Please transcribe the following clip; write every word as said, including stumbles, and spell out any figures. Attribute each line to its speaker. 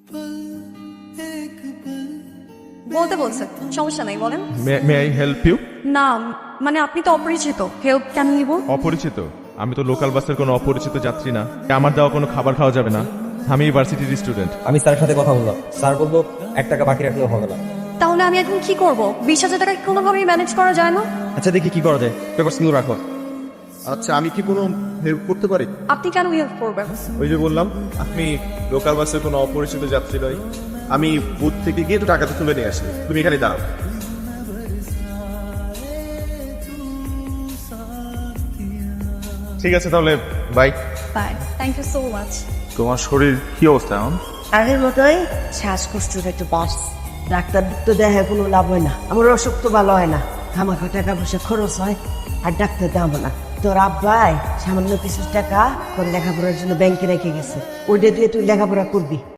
Speaker 1: বলতে বলছে, সমস্যা নাই, বলেন।
Speaker 2: May I help you?
Speaker 1: না মানে আপনি তো অপরিচিত, হেল্প কেন নিব?
Speaker 2: অপরিচিত? আমি তো লোকাল বাসের কোনো অপরিচিত যাত্রী না। আমার দেওয়া কোনো খাবার খাওয়া যাবে না। আমি ইউনিভার্সিটির স্টুডেন্ট।
Speaker 3: আমি স্যারের সাথে কথা বললাম, স্যার বললো এক টাকা বাকি রাখলেও হবে না।
Speaker 1: তাহলে আমি এখন কি করব? বিশ হাজার টাকা কোনোভাবেই ম্যানেজ করা যায় না?
Speaker 3: আচ্ছা দেখি কি করা যায়, পেপারসগুলো রাখো।
Speaker 2: আচ্ছা, আমি কি কোনো হেল্প করতে পারি?
Speaker 1: আপনি কেন হেল্প করবেন?
Speaker 2: ওই যে বললাম, আপনি লোকাল বাসের কোনো অপরিচিত যাত্রী নয়। আমি বুথ থেকে গিয়ে তো টাকাটা তুলে নিয়ে আসি, তুমি এখানে দাঁড়াও। ঠিক আছে তাহলে, bye.
Speaker 1: Bye, thank you so much.
Speaker 2: তোমার শরীর কি অবস্থা এখন?
Speaker 4: আগের মতোই শ্বাসকষ্টের একটু বাস। ডাক্তার তো দেখে কোনো লাভ হয় না, আমার অসুখ তো ভালো হয় না, আমাকে টাকা পয়সা খরচ হয় আর ডাক্তার দাম না। তোর আব্বাই সামান্য কিছু টাকা তোর লেখাপড়ার জন্য ব্যাংকে রেখে গেছে, ওইটা দিয়ে তুই লেখাপড়া করবি।